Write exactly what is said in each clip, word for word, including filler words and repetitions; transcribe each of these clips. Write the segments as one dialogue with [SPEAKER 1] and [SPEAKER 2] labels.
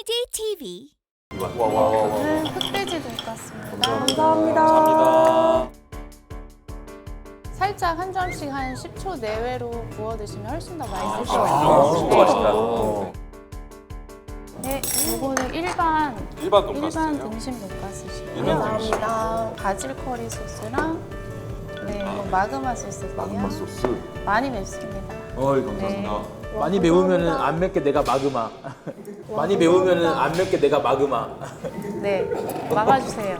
[SPEAKER 1] 케이디 티비.
[SPEAKER 2] 저는 흑돼지 돈가스입니다.
[SPEAKER 3] 감사합니다.
[SPEAKER 4] 감사합니다.
[SPEAKER 2] 살짝 한 점씩 한 십 초 내외로 구워 드시면 훨씬 더 맛있을 것
[SPEAKER 4] 아,
[SPEAKER 2] 같아요.
[SPEAKER 4] 진짜 맛있다.
[SPEAKER 2] 네, 이거는 일반
[SPEAKER 4] 일반 돈가스.
[SPEAKER 2] 일반 등심 돈가스시고요.
[SPEAKER 4] 일반
[SPEAKER 3] 감사합니다.
[SPEAKER 2] 바질 커리 소스랑 네, 이거 마그마 소스고요.
[SPEAKER 4] 마그마 소스.
[SPEAKER 2] 많이 맵습니다.
[SPEAKER 4] 어이 감사합니다.
[SPEAKER 2] 네.
[SPEAKER 5] 많이 매우면은 안 맵게 내가 마그마. 많이 매우면은 안 맵게 내가 마그마.
[SPEAKER 2] 네, 막아주세요.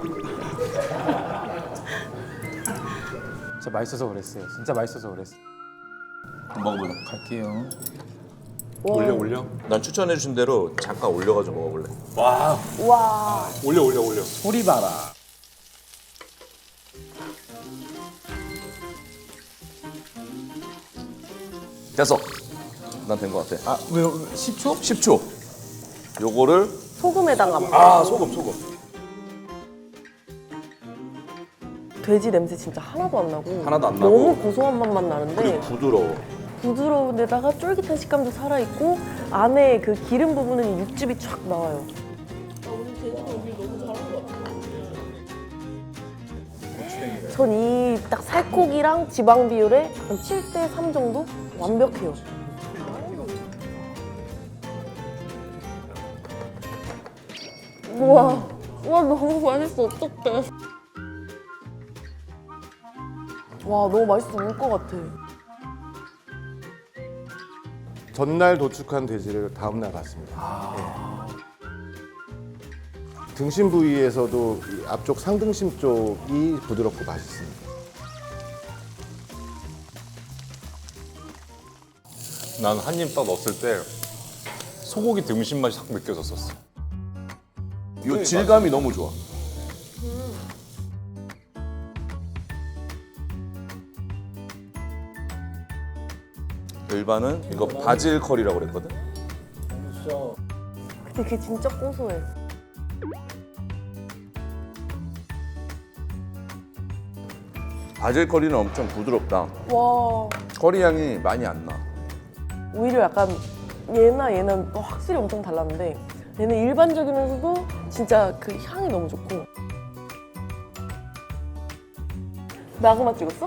[SPEAKER 5] 진짜 맛있어서 그랬어요. 진짜 맛있어서 그랬어.
[SPEAKER 4] 먹어보자.
[SPEAKER 5] 갈게요.
[SPEAKER 4] 올려 올려.
[SPEAKER 6] 난 추천해 준 대로 잠깐 올려가지고 먹어볼래.
[SPEAKER 4] 와
[SPEAKER 3] 와.
[SPEAKER 4] 올려 올려 올려.
[SPEAKER 5] 소리 봐라.
[SPEAKER 6] 됐어. 난 된 것 같아.
[SPEAKER 5] 아, 왜요? 십 초?
[SPEAKER 6] 십 초. 요거를
[SPEAKER 3] 소금에다가 막.
[SPEAKER 6] 아 소금 소금.
[SPEAKER 3] 돼지 냄새 진짜 하나도 안 나고.
[SPEAKER 6] 하나도 안
[SPEAKER 3] 너무
[SPEAKER 6] 나고.
[SPEAKER 3] 고소한 맛만 나는데
[SPEAKER 6] 그리고 부드러워.
[SPEAKER 3] 부드러운 데다가 쫄깃한 식감도 살아있고 안에 그 기름 부분은 육즙이 쫙 나와요. 전 이 딱 살코기랑 지방 비율에 한 칠 대 삼 정도? 완벽해요. 우와, 와 너무 맛있어. 어떡해. 와 너무 맛있어. 울 것 같아.
[SPEAKER 7] 전날 도축한 돼지를 다음날 봤습니다. 예. 등심 부위에서도 이 앞쪽 상등심 쪽이 부드럽고 맛있습니다.
[SPEAKER 4] 난 한 입 딱 넣었을 때 소고기 등심 맛이 딱 느껴졌었어.
[SPEAKER 6] 요 질감이 너무 좋아. 일반은 이거 바질 커리라고 그랬거든.
[SPEAKER 3] 근데 그게 진짜 고소해.
[SPEAKER 6] 바질 커리는 엄청 부드럽다.
[SPEAKER 3] 와
[SPEAKER 6] 커리 향이 많이 안 나.
[SPEAKER 3] 오히려 약간 얘나 얘는 또 확실히 엄청 달랐는데 얘는 일반적이면서도 진짜 그 향이 너무 좋고. 마그마 찍었어?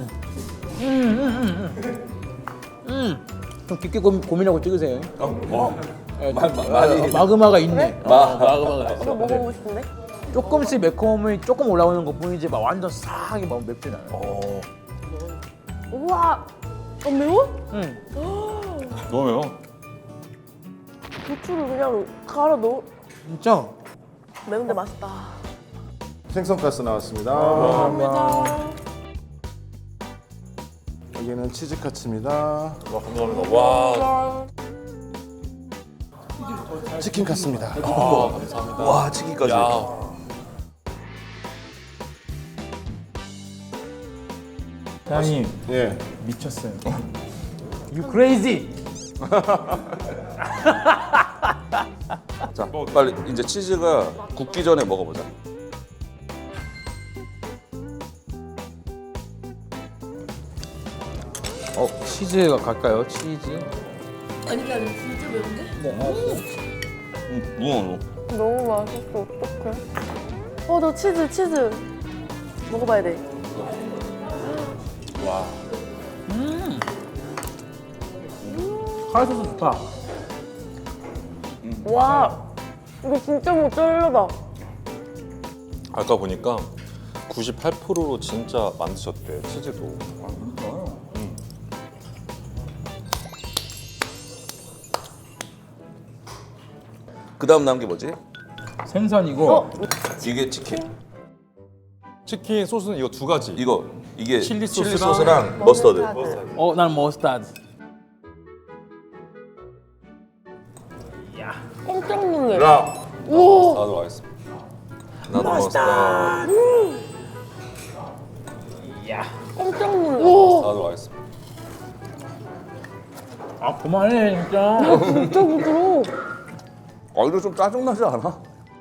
[SPEAKER 5] 좀 깊게 고, 고민하고 찍으세요.
[SPEAKER 6] 어, 뭐?
[SPEAKER 5] 예,
[SPEAKER 6] 마- 마- 많이-
[SPEAKER 5] 마그마가 있네. 어, 마그마가
[SPEAKER 3] 이거 먹어보고 싶은데?
[SPEAKER 5] 조금씩 매콤함이 조금 올라오는 것 뿐이지 막 완전 싹이 막 맵진 않아요.
[SPEAKER 6] 어.
[SPEAKER 3] 우와! 안 매워?
[SPEAKER 5] 응.
[SPEAKER 4] 너무 매워.
[SPEAKER 3] 고추를 그냥 갈아 넣어.
[SPEAKER 5] 진짜?
[SPEAKER 3] 매운데 맛있다.
[SPEAKER 7] 생선가스 나왔습니다.
[SPEAKER 3] 감사합니다.
[SPEAKER 7] 여기는 치즈카츠입니다.
[SPEAKER 4] 와 감사합니다. 와.
[SPEAKER 7] 치킨카스입니다.
[SPEAKER 4] 아 감사합니다.
[SPEAKER 6] 와 치기까지.
[SPEAKER 4] 야.
[SPEAKER 5] 사장님
[SPEAKER 7] 예.
[SPEAKER 5] 미쳤어요. You crazy?
[SPEAKER 6] 자 빨리 이제 치즈가 굳기 전에 먹어보자.
[SPEAKER 5] 어 치즈가 갈까요? 치즈?
[SPEAKER 6] 응, 무어.
[SPEAKER 3] 너무 맛있어. 어떡해. 어, 너 치즈, 치즈. 먹어봐야 돼.
[SPEAKER 5] 카레 소스 좋다.
[SPEAKER 3] 와, 이거 진짜 모짜렐라다.
[SPEAKER 4] 아까 보니까 구십팔 퍼센트로 진짜 만드셨대 치즈도.
[SPEAKER 6] 그 다음 남은 게 뭐지?
[SPEAKER 5] 생선이고
[SPEAKER 3] 어?
[SPEAKER 6] 이게 치킨.
[SPEAKER 4] 치킨 소스는 이거 두 가지.
[SPEAKER 6] 이거 이게
[SPEAKER 4] 칠리
[SPEAKER 6] 칠리
[SPEAKER 4] 소스랑
[SPEAKER 6] 소스랑 머스터드.
[SPEAKER 5] 어, 난 머스타드.
[SPEAKER 3] 깜짝 놀래.
[SPEAKER 6] 야,
[SPEAKER 3] 우와,
[SPEAKER 4] 나도 알겠습니다.
[SPEAKER 6] 나도 머스터드.
[SPEAKER 3] 깜짝 놀래. 우와,
[SPEAKER 4] 나도 알겠습니다.
[SPEAKER 5] 아 그만해 진짜.
[SPEAKER 3] 진짜 부드러워.
[SPEAKER 6] 아 이거 좀 짜증 나지 않아?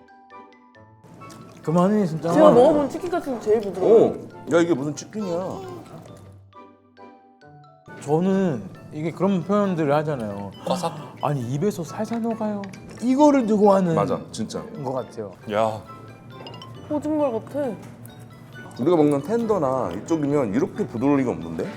[SPEAKER 5] 그만해 진짜.
[SPEAKER 3] 제가 먹어본 치킨 같은 게 제일 부드러워.
[SPEAKER 6] 어. 야 이게 무슨 치킨이야?
[SPEAKER 5] 저는 이게 그런 표현들을 하잖아요.
[SPEAKER 4] 바삭.
[SPEAKER 5] 아니 입에서 살살 녹아요. 이거를 두고 하는
[SPEAKER 6] 맞아, 진짜.
[SPEAKER 5] 것 같아요.
[SPEAKER 4] 야,
[SPEAKER 3] 거짓말 같아.
[SPEAKER 6] 우리가 먹는 텐더나 이쪽이면 이렇게 부드러울 리가 없는데?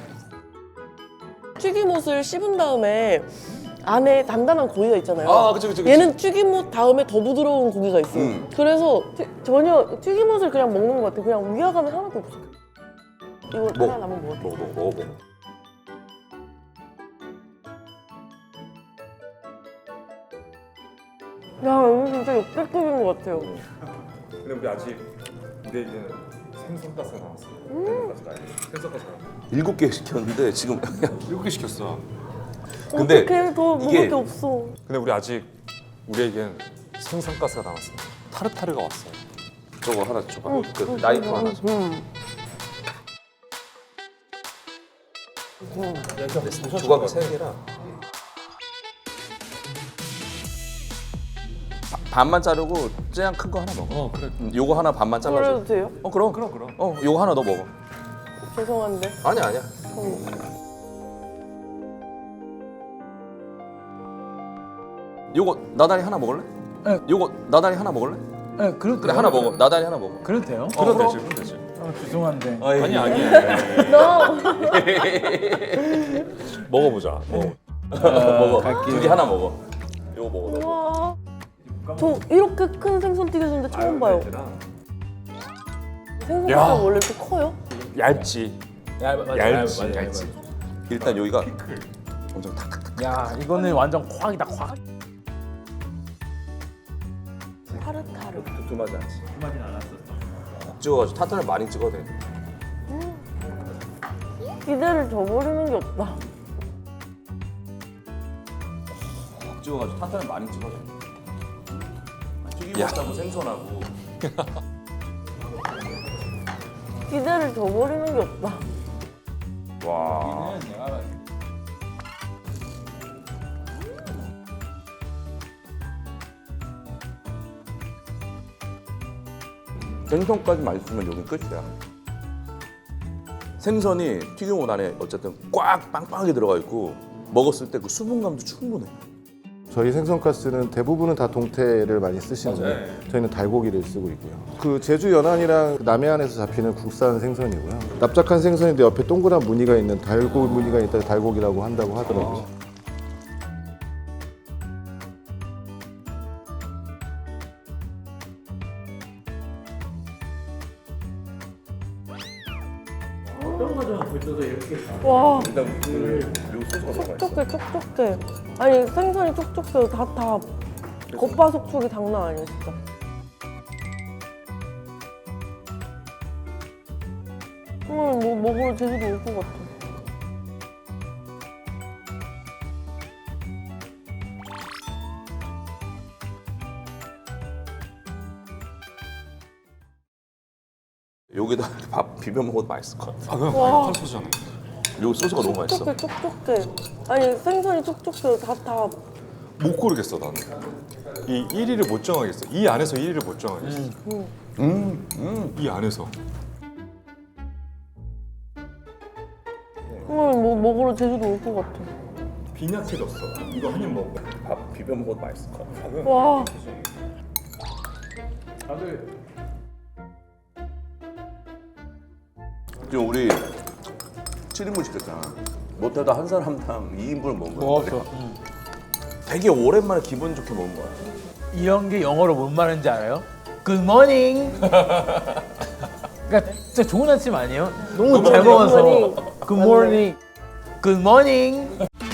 [SPEAKER 3] 튀김옷을 씹은 다음에 안에 단단한 고기가 있잖아요.
[SPEAKER 4] 아, 그치, 그치, 그치.
[SPEAKER 3] 얘는 튀김옷 다음에 더 부드러운 고기가 있어요.
[SPEAKER 6] 음.
[SPEAKER 3] 그래서 튀- 전혀 튀김옷을 그냥 먹는 것 같아. 그냥 위화감이 하나도 없어. 이거
[SPEAKER 6] 먹어.
[SPEAKER 3] 하나 남은 것 같아.
[SPEAKER 6] 먹어, 먹어, 먹어, 먹어.
[SPEAKER 3] 야, 이거 진짜 역대급인 것 같아요.
[SPEAKER 4] 근데 우리 아직 우리에게는 생선가스가 남았어. 생선가스가 아니고 생선가스가 남았어.
[SPEAKER 6] 일곱 개 시켰는데 지금
[SPEAKER 4] 일곱 개 시켰어.
[SPEAKER 6] 근데
[SPEAKER 3] 어떻게 더 먹을
[SPEAKER 6] 이게-
[SPEAKER 3] 게 없어.
[SPEAKER 4] 근데 우리 아직 우리에겐 생선가스가 남았어. 타르타르가 왔어요.
[SPEAKER 6] 저거 하나 줘봐. 그 나이프 하나 줘.
[SPEAKER 3] 음.
[SPEAKER 6] 조각 세 개라. 바- 반만 자르고 쟤양 큰 거 하나 먹어.
[SPEAKER 4] 어, 그래.
[SPEAKER 6] 음, 요거 하나 반만
[SPEAKER 3] 그래도
[SPEAKER 6] 잘라줘.
[SPEAKER 3] 돼요?
[SPEAKER 6] 어 그럼
[SPEAKER 4] 그럼, 그럼.
[SPEAKER 6] 어 요거 하나 너 먹어.
[SPEAKER 3] 죄송한데.
[SPEAKER 6] 아니야 아니야. 요거 나다리 하나 먹을래?
[SPEAKER 5] 네.
[SPEAKER 6] 요거 나다리 하나 먹을래?
[SPEAKER 5] 네, 그래도
[SPEAKER 6] 그래 하나 먹어. 나다리 하나 먹어.
[SPEAKER 5] 그래도 돼요?
[SPEAKER 6] 어,
[SPEAKER 4] 그럼
[SPEAKER 6] 그럼.
[SPEAKER 4] 되지, 그럼 되지.
[SPEAKER 5] 어, 죄송한데.
[SPEAKER 4] 아니, 아니.
[SPEAKER 3] 너
[SPEAKER 4] 먹어보자. 먹어.
[SPEAKER 6] 먹어.
[SPEAKER 5] 갈게요.
[SPEAKER 6] 두 개 하나 먹어. 요거 먹어. 너.
[SPEAKER 3] 와. 저 이렇게 큰 생선 튀겨주는데 처음 봐요. 생선가
[SPEAKER 4] 야.
[SPEAKER 3] 원래 이렇게 커요?
[SPEAKER 4] 얇지.
[SPEAKER 5] 야, 맞아,
[SPEAKER 4] 얇지,
[SPEAKER 5] 맞아, 맞아,
[SPEAKER 4] 얇지.
[SPEAKER 6] 일단 여기가 엄청 탁탁탁.
[SPEAKER 5] 맞아. 야, 이거는 완전 콱이다, 콱.
[SPEAKER 3] 타르타르.
[SPEAKER 6] 두툼하지 않지. 두툼하진 않았어. 콕 찍어가지고 타탄을 많이 찍어야 돼.
[SPEAKER 3] 기대를 저버리는 게 없다.
[SPEAKER 6] 콕 찍어가지고 타탄을 많이 찍어야 돼. 튀김옷하고 생선하고.
[SPEAKER 3] 기대를 저버리는 게 없다.
[SPEAKER 4] 와.
[SPEAKER 6] 생선까지 맛있으면 여기 끝이야. 생선이 튀김옷 안에 어쨌든 꽉 빵빵하게 들어가 있고 먹었을 때 그 수분감도 충분해.
[SPEAKER 7] 저희 생선가스는 대부분은 다 동태를 많이 쓰시는데 저희는 달고기를 쓰고 있고요. 그 제주 연안이랑 그 남해안에서 잡히는 국산 생선이고요. 납작한 생선인데 옆에 동그란 무늬가 있는 달고 무늬가 있다 달고기라고 한다고 하더라고요.
[SPEAKER 3] 와,
[SPEAKER 6] 일단 그 소스가 너무 맛있어.
[SPEAKER 3] 촉촉해, 촉촉해. 아니, 생선이 촉촉해요. 다, 다. 겉바속촉이 장난 아니야, 진짜. 오늘 뭐 먹으러 제주도 올 것 같아.
[SPEAKER 6] 여기다 이렇게 밥 비벼 먹어도 맛있을 것 같아.
[SPEAKER 4] 아, 그럼
[SPEAKER 3] 와.
[SPEAKER 4] 칼소스잖아.
[SPEAKER 6] 여기 소스가 너무 맛있어.
[SPEAKER 3] 촉촉해, 촉촉해. 아니, 생선이 촉촉해요. 다, 다.
[SPEAKER 4] 못 고르겠어, 나는. 이 일 위를 못 정하겠어. 이 안에서 일 위를 못 정하겠어.
[SPEAKER 6] 음, 음.
[SPEAKER 4] 이 안에서.
[SPEAKER 3] 오늘 뭐 먹으러 제주도 올 것 같아.
[SPEAKER 4] 빈약해졌어. 이거 한 입 먹어.
[SPEAKER 6] 밥 비벼 먹어도 맛있을 것 같아.
[SPEAKER 3] 와.
[SPEAKER 6] 지금 우리 칠 인분 시켰잖아. 못해도 한 사람당 이 인분을 먹은 거야.
[SPEAKER 5] 먹었어.
[SPEAKER 6] 되게 오랜만에 기분 좋게 먹은 거야.
[SPEAKER 5] 이런 게 영어로 뭔 말인지 알아요? Good morning. 그러니까 진짜 좋은 아침 아니에요? 너무 잘 먹어서.
[SPEAKER 3] morning.
[SPEAKER 5] Good morning. Good morning.